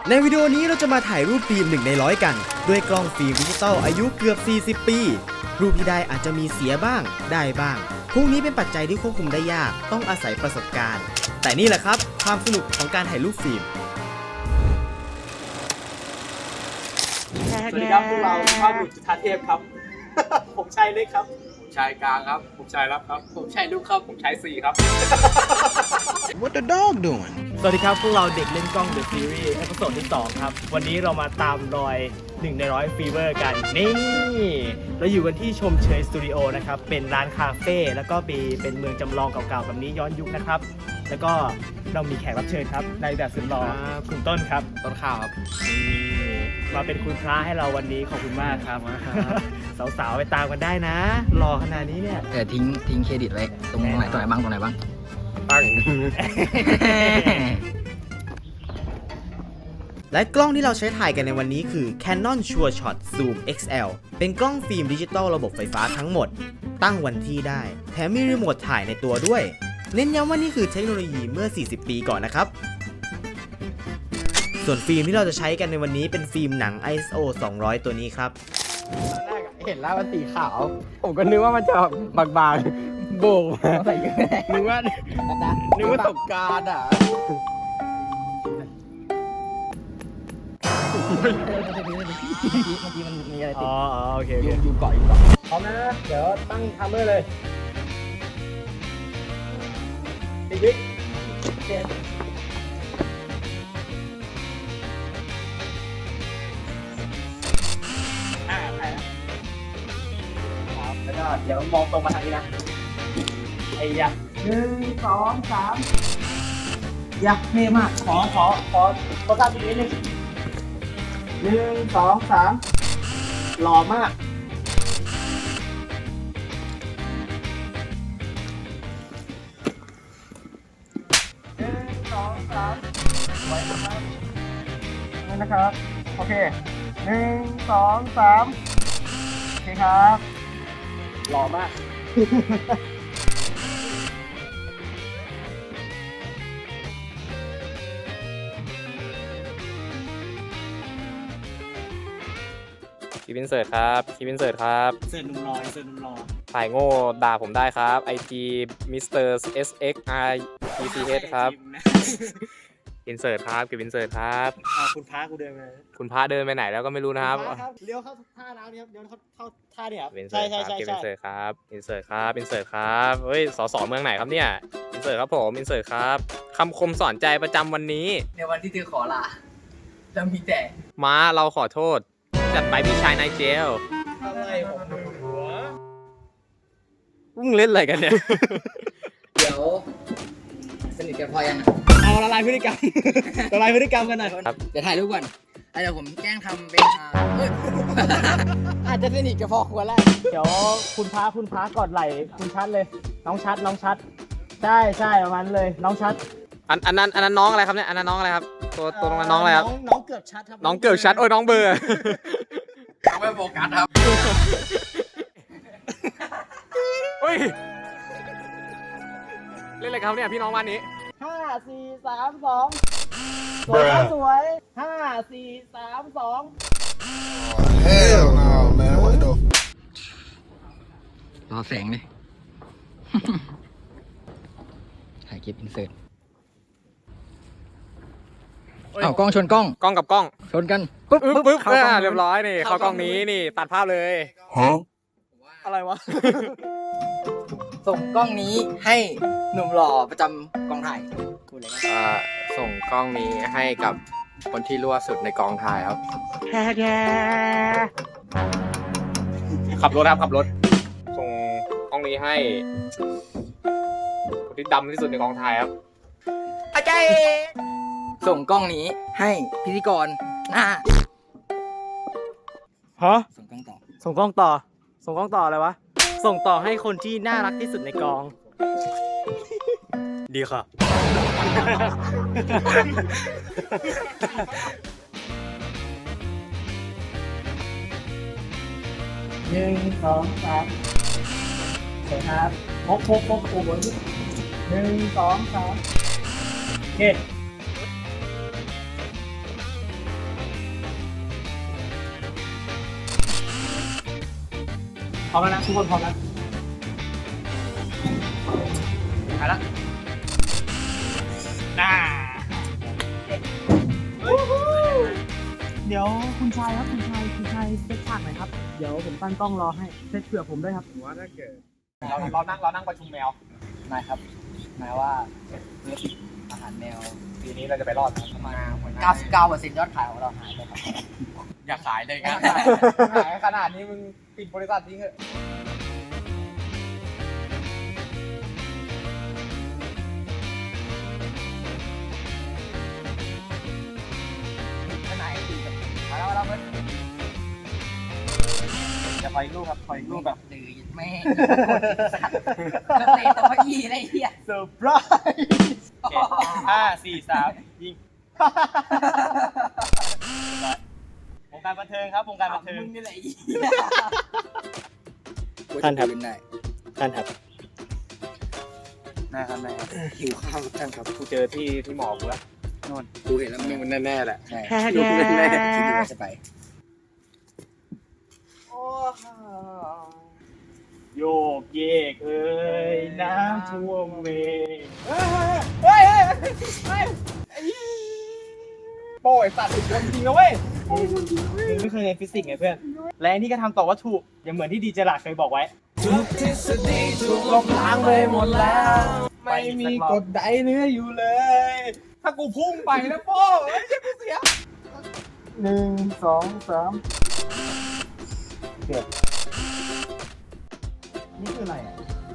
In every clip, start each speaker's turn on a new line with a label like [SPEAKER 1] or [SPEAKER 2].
[SPEAKER 1] ในวิดีโอนี้เราจะมาถ่ายรูปฟิล์ม1 ใน 100กันด้วยกล้องฟิล์มดิจิตอลอายุเกือบ40 ปีรูปที่ได้อาจจะมีเสียบ้างได้บ้างพวกนี้เป็นปัจจัยที่ควบคุมได้ยากต้องอาศัยประสบการณ์แต่นี่แหละครับความสนุกของการถ่ายรูปฟิล์ม
[SPEAKER 2] สวัสดีครับพวกเราภาพบุตรจุฑาเทพครับ ผมชายเล็กครับผมชายกลางครับผมชายรับครับผมชายลูกครับผมชายสี่ครับ
[SPEAKER 3] What the dog doing?
[SPEAKER 4] สวัสดีครับพวกเราเด็กเล่นกล้อง The Series เอพิโซดที่ 2 ครับ วันนี้เรามาตามรอย1 ใน 100 ฟีเวอร์กัน นี่เราอยู่กันที่ชมเชยสตูดิโอนะครับ เป็นร้านคาเฟ่แล้วก็เป็นเมืองจำลองเก่าๆแบบนี้ย้อนยุคนะครับ แล้วก็เรามีแขกรับเชิญครับในแบบสุดหล่อคุณต้นครับต้นข้าวครับมาเป็นคุณพระให้เราวันนี้ขอบคุณมากครับ สาวๆไปตามกันได้นะหล่อขนาดนี้เนี่ย
[SPEAKER 5] ทิ้งเครดิตไว้ตรงไหนบ้าง
[SPEAKER 1] ตั้ง และกล้องที่เราใช้ถ่ายกันในวันนี้คือ Canon SureShot Zoom XL เป็นกล้องฟิล์มดิจิตอลระบบไฟฟ้าทั้งหมดตั้งวันที่ได้แถมมีรีโมทถ่ายในตัวด้วยเน้นย้ำว่านี่คือเทคโนโลยีเมื่อ40 ปีก่อนนะครับส่วนฟิล์มที่เราจะใช้กันในวันนี้เป็นฟิล์มหนัง ISO 200 ตัวนี้ครับ
[SPEAKER 5] เห็นแล้วมันสีขาว ผมก็นึกว่ามันจะบางๆโบกใส่เยอะนึกว่าตกการอ่ะเมื่อกี้มันมีอะไรติด
[SPEAKER 4] อ๋อโอเค
[SPEAKER 5] อยู่เกาะ
[SPEAKER 4] พร้อมนะ เดี๋ยวตั้งไทม์เมอร์เลยติ๊กติ๊กครับแล้วก็เดี๋ยวมองตรงมาทางนี้นะไอ้ยะ1 2 3ยะเท่มากขอทราบตรงนี้นึง1 2 3หล่อมากไว้นะครับนี่นะครับโอเค1 2 3โอเคครับหล่อมาก
[SPEAKER 6] คลิปอินเสิร์ตครับคลิปอินเสิร์ตครับ
[SPEAKER 4] เสิร์ฟหนุ่มรอเสิร์ฟหนุ่มรอ
[SPEAKER 6] ถ่ายโง่ด่าผมได้ครับ IG Mr. SXR PCH ครับอินเสิร์ตครับคลิปอินเสิร์ตครับ
[SPEAKER 4] คุณพากูเดินมา
[SPEAKER 6] คุณพระเดินไปไหนแล้วก็ไม่รู้นะครับ
[SPEAKER 4] เลี้ยวเข้าท่าน้ำนี่ครับเลี้ยวเข้าท่าเนี่ยครับ
[SPEAKER 6] อินเสิ
[SPEAKER 4] ใช่
[SPEAKER 6] ร์ตครับ
[SPEAKER 4] ใช่
[SPEAKER 6] คลิป
[SPEAKER 4] ใช่
[SPEAKER 6] อินเสิร์ตครับอินเสิร์ตครับอินเสิร์ตครับเฮ้ยสสเมืองไหนครับเนี่ยอินเสิร์ตครับผมอินเสิร์ตครับคำคมสอนใจประจำวันนี้
[SPEAKER 5] ในวันที่เธอขอลาจะมีแต่
[SPEAKER 6] ม้าเราขอโทษจัดไปพี่ชายนายเจล
[SPEAKER 4] อะไรของมึงหัว
[SPEAKER 6] มึงเล่นอะไรกันเนี่ย
[SPEAKER 5] เดี๋ยวสนิทกันพอยัง
[SPEAKER 4] เอาละลายพฤติกรรม ละลายพฤติกรรมกันหน่อย
[SPEAKER 5] เดี๋ยวถ่ายรูปก่อนเดี๋ยวผมแกล้งทำเป็นอาจจะสนิทกับพอควรแล้ว
[SPEAKER 4] เดี๋ยวคุณพากอดไหล่คุณชัดเลยน้องชัดใช่ประมาณเลยน้องชัด
[SPEAKER 6] อันนั้นน้องอะไรครับเนี่ยอันนั้นน้องอะไรครับตัวตรงนั้นน้องอะไรครับ
[SPEAKER 4] น้องเกือบชัดครับ
[SPEAKER 6] น้องเกิดชัดโอ้ยน้องเบอร์
[SPEAKER 5] ไม่โฟกัสครับ
[SPEAKER 6] เฮ้ยเล่นอะไรครับเนี่ยพี่น้องบ้านนี้
[SPEAKER 4] 5 4 3 2สวย5 4 3 2
[SPEAKER 3] Hell no, man. What the?
[SPEAKER 5] รอแสงเลย ถ่ายคลิปอินเสิร์ตอ้าวกล้องชนกล้อง
[SPEAKER 6] กล้องกับกล้อง
[SPEAKER 5] ชนกัน
[SPEAKER 6] ปึ๊บ
[SPEAKER 5] เข้ากล้อง
[SPEAKER 6] เรียบร้อยนี่เข้ากล้องนี้นี่ตัดภาพเลย
[SPEAKER 3] Huh?
[SPEAKER 4] อะไรวะ
[SPEAKER 5] ส่งกล้องนี้ให้หนุ่มหล่อประจำกองถ่ายพูดเลยนะ
[SPEAKER 6] ส่งกล้องนี้ให้กับคนที่รั่วสุดในกองถ่ายครับขับรถครับขับรถส่งกล้องนี้ให้คนที่ดำที่สุดในกองถ่ายครับ
[SPEAKER 5] ส่งกล้องนี้ให้พิธีกรหน้า
[SPEAKER 4] ฮะ
[SPEAKER 5] ส่งกล้องต่อ
[SPEAKER 4] ส่งกล้องต่ออะไรวะส่งต่อให้คนที่น่ารักที่สุดในกอง ดีค่ะ 1 2 3สวยครับพกโอ้โห1 2 3โอเค
[SPEAKER 2] ร้อมแล้วนะทุกคนพร้อมแล้วไปละเดี๋ยวคุณชายครับคุณชายเซตฉากหน่อยครับเดี๋ยวผมตั้งกล้องรอให้เซตเผื่อผมด้วยครับว่าถ้าเกิดเรานั่งประชุมแมวนายครับนายว่าธุรกิจอาหารแมวปีนี้เราจะไปรอดไหมประมาณ
[SPEAKER 5] 99%ยอดขายของเราหายไปครับ
[SPEAKER 2] อย่าขายเลยครับขายขนาดนี้มึงปิดบริษัททิ้งเถอะ มาแล้วเพื่อนจะคอยลูกครับคอยลูกแบบ
[SPEAKER 5] ดื้อแม่แล้วเตะตัวอีอะไรเหี้ย
[SPEAKER 2] เซอร์ไพรส์5 4 3 ยิงวงการบันเทิงครับวงการบันเทิง
[SPEAKER 5] มึงนี่แหละอี
[SPEAKER 4] ท่านครับท่านครับ
[SPEAKER 2] นะครับนาย
[SPEAKER 5] หิวข้าวท่านครับ
[SPEAKER 2] กูเจอที่หมอกูแล้ว
[SPEAKER 5] กูเห็นแล้วมันแน่ๆแหละใช่
[SPEAKER 2] ดูแน่ๆ
[SPEAKER 5] คิดอยู่ว่าจะไป
[SPEAKER 2] โยกเยกเอ้ยน้ำท่วมเมฆโป้ยสัตว์โดนจริงนะเว้ยมึงไม่เคยเรียนฟิสิกส์ไงเพื่อนและอันนี้ก็ทำต่อวัตถุอย่างเหมือนที่ดีเจลาดเคยบอกไว้ทุกทฤษฎีถูกลบล้างไปหมดแล้วไม่มีกฎใดเหลืออยู่เลย ถ้ากูพุ่งไปนะโป้เฮ้ยกูเสีย1 2 3นี่คืออะไรอ่ะ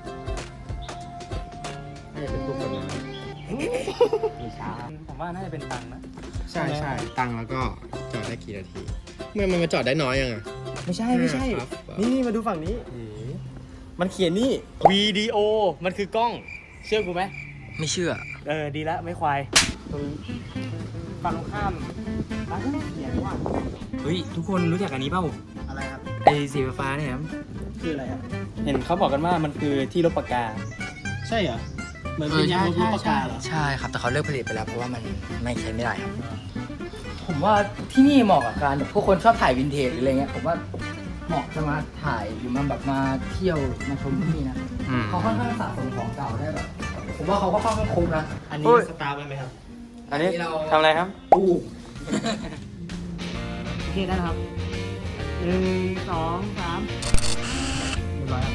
[SPEAKER 2] ผมว่าน่าจะเป็นตังค์นะ
[SPEAKER 3] ใช่ใช่ตังค์แล้วก็จอดได้กี่นาทีเมื่อมันมาจอดได้น้อยยังไง
[SPEAKER 4] ไม่ใช่
[SPEAKER 3] ครับ
[SPEAKER 4] นี่มาดูฝั่งนี้ มันเขียนนี่วิดีโอมันคือกล้อง เชื่อกูไหม
[SPEAKER 5] ไม่เชื่อ
[SPEAKER 4] ดีแล้วไม่ควายตรงฝั่งตรงข้ามร้านก็เขียนว่า
[SPEAKER 5] เฮ้ยทุกคนรู้จักอันนี้เปล่า
[SPEAKER 4] อะไรครับ
[SPEAKER 5] ไอ้สีฟ้าเนี่ยครับ
[SPEAKER 4] คืออะไรครับเห็นเขาบอกกันว่ามันคือที่ลบปากกา ใช่เหรอเหมือนเป็นยางลบปากกาเหรอ
[SPEAKER 5] ใช่ครับแต่เขาเลิกผลิตไปแล้วเพราะว่ามันไม่ใช้ไม่ได้ครับ ผมว่าที่นี่เหมาะกับการแบบพวกคนชอบถ่ายวินเทจหรืออะไรเงี้ยผมว่าเหมาะจะมาถ่ายหรือมาแบบมาเที่ยวมาชมที่นี่นะเขาค่อนข้างสะสมของเก่าได้แบบผมว่าเขาก็ค่อนข้างคุ้มนะ
[SPEAKER 4] อันนี้สตาร์ทไปไหมครับ
[SPEAKER 5] อันนี้เรา
[SPEAKER 6] ทำอะไรครับ
[SPEAKER 5] อู้
[SPEAKER 4] โอเคได้นะครับ1 2 3เรียบร้อยครับ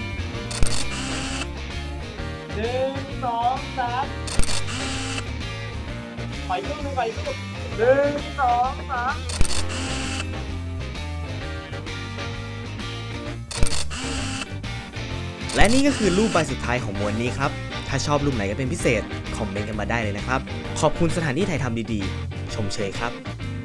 [SPEAKER 4] 1 2 3ไปลูก1 2 3
[SPEAKER 1] และนี่ก็คือรูปใบสุดท้ายของมวลนี้ครับ ถ้าชอบรูปไหนก็เป็นพิเศษ คอมเมนต์กันมาได้เลยนะครับ ขอบคุณสถานที่ถ่ายทำดีๆ ชมเชยครับ